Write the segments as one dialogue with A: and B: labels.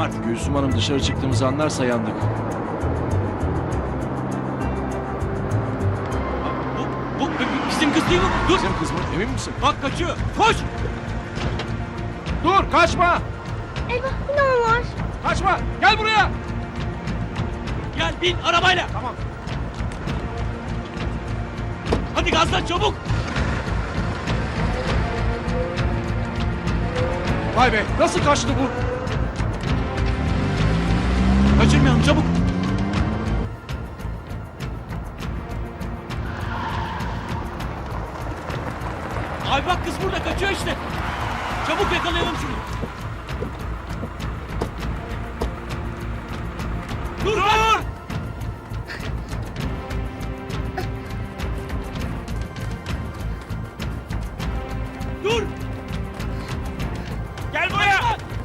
A: artık.
B: Gülsüm Hanım dışarı çıktığımızı anlarsa yandık.
A: Bu bizim kız değil mi? Dur.
B: Bizim kız mı? Emin misin?
A: Bak kaçıyor. Koş.
B: Dur kaçma!
C: Eyvah yine o var.
B: Kaçma! Gel buraya!
A: Gel bin arabayla.
B: Tamam.
A: Hadi gazlan çabuk.
B: Vay be nasıl kaçtı bu?
A: Kaçırmayalım çabuk. Abi bak kız burada kaçıyor işte. Çabuk yakalayalım şunu. Dur! Dur! Dur! Gel buraya!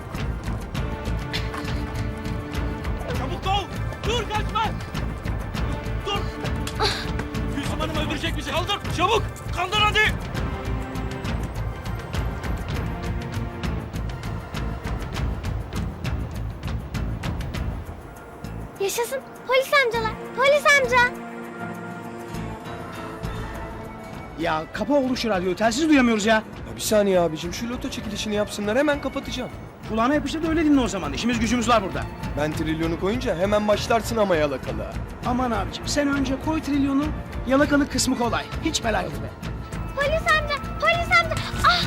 A: Çabuk ol! Dur kaçma! Dur! Gülsüm Hanım öldürecek bizi. Kaldır! Çabuk! Kaldır hadi!
C: Yaşasın polis amcalar. Polis amca.
D: Ya kapa oğlum şu radyoyu. Telsiz duyamıyoruz ya.
E: Ya bir saniye abicim şu loto çekilişini yapsınlar hemen kapatacağım.
D: Kulağına yapıştır da öyle dinle o zaman. İşimiz gücümüz var burada.
E: Ben trilyonu koyunca hemen başlarsın ama yalakalığa.
D: Aman abicim sen önce koy trilyonu. Yalakalık kısmı kolay. Hiç merak etme.
C: Polis amca. Polis amca. Ah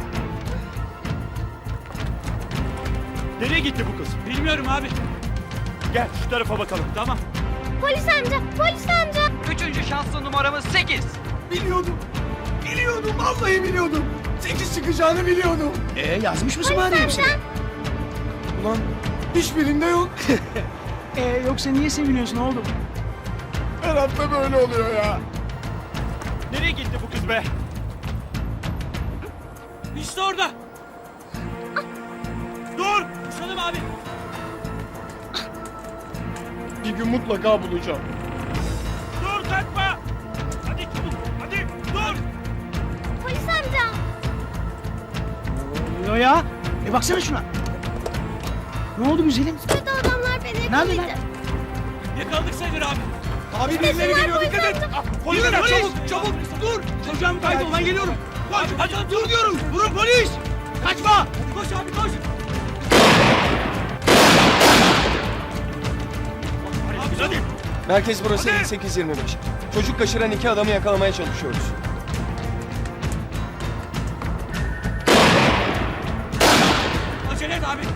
A: Nereye gitti bu kız? Bilmiyorum abi. Gel şu tarafa bakalım. Tamam.
C: polis amca. Polis amca.
F: Üçüncü şanslı numaramız 8.
E: Biliyordum. Biliyordum vallahi biliyordum. 8 çıkacağını biliyordum.
D: Yazmış mısın bari hepsini?
E: Ulan hiçbirinde yok.
D: Yoksa niye seviniyorsun oğlum?
E: Her hafta böyle oluyor ya.
A: Nereye gitti bu kız be? İşte orada. Dur! Kuşalım abi.
E: Bir gün mutlaka bulacağım.
A: Dur kaçma. Hadi çabuk. Hadi dur.
C: Polis amca.
D: Ne oluyor ya? Baksana şuna. Ne oldu güzelim?
C: Kötü adamlar beni
D: Nerede
C: yakaladı.
A: Yakaladık sayılır abi.
E: Abi birileri geliyor dikkat et.
A: Polis çabuk çabuk. Dur.
D: Çocuğum kaydı lan geliyorum.
A: Koş. Hadi
D: Dur diyorum. Vurun polis. Kaçma.
A: Koş abi koş. Hadi.
E: Merkez burası
A: Hadi.
E: 58-25. Çocuk kaçıran 2 adamı yakalamaya çalışıyoruz.
A: Acele et abi.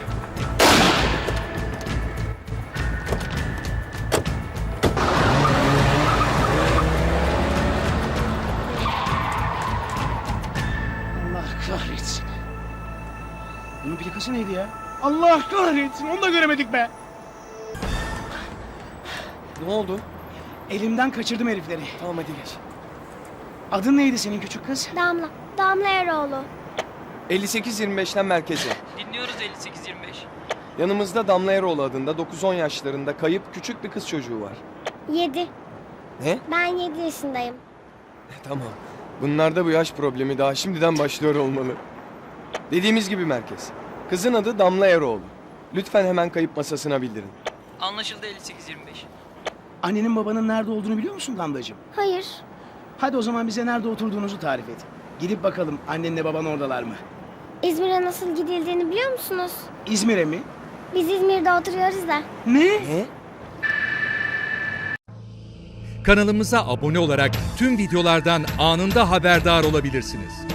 D: Allah kahretsin. Bunun plakası neydi ya? Allah kahretsin. Onu da göremedik be.
E: Ne oldu?
D: Elimden kaçırdım herifleri.
E: Tamam hadi geç.
D: Adın neydi senin küçük kız?
C: Damla. Damla Eroğlu.
E: 58-25'ten merkeze.
F: Dinliyoruz 58-25.
E: Yanımızda Damla Eroğlu adında 9-10 yaşlarında kayıp küçük bir kız çocuğu var.
C: 7.
E: Ne?
C: Ben 7 yaşındayım.
E: Tamam. Bunlarda bu yaş problemi daha şimdiden başlıyor olmalı. Dediğimiz gibi merkez. Kızın adı Damla Eroğlu. Lütfen hemen kayıp masasına bildirin.
F: Anlaşıldı 58-25.
D: Annenin babanın nerede olduğunu biliyor musun Damlacığım?
C: Hayır.
D: Hadi o zaman bize nerede oturduğunuzu tarif et. Gidip bakalım annenle baban oradalar mı?
C: İzmir'e nasıl gidildiğini biliyor musunuz?
D: İzmir'e mi?
C: Biz İzmir'de oturuyoruz da.
D: Ne?
E: Ne?
G: Kanalımıza abone olarak tüm videolardan anında haberdar olabilirsiniz.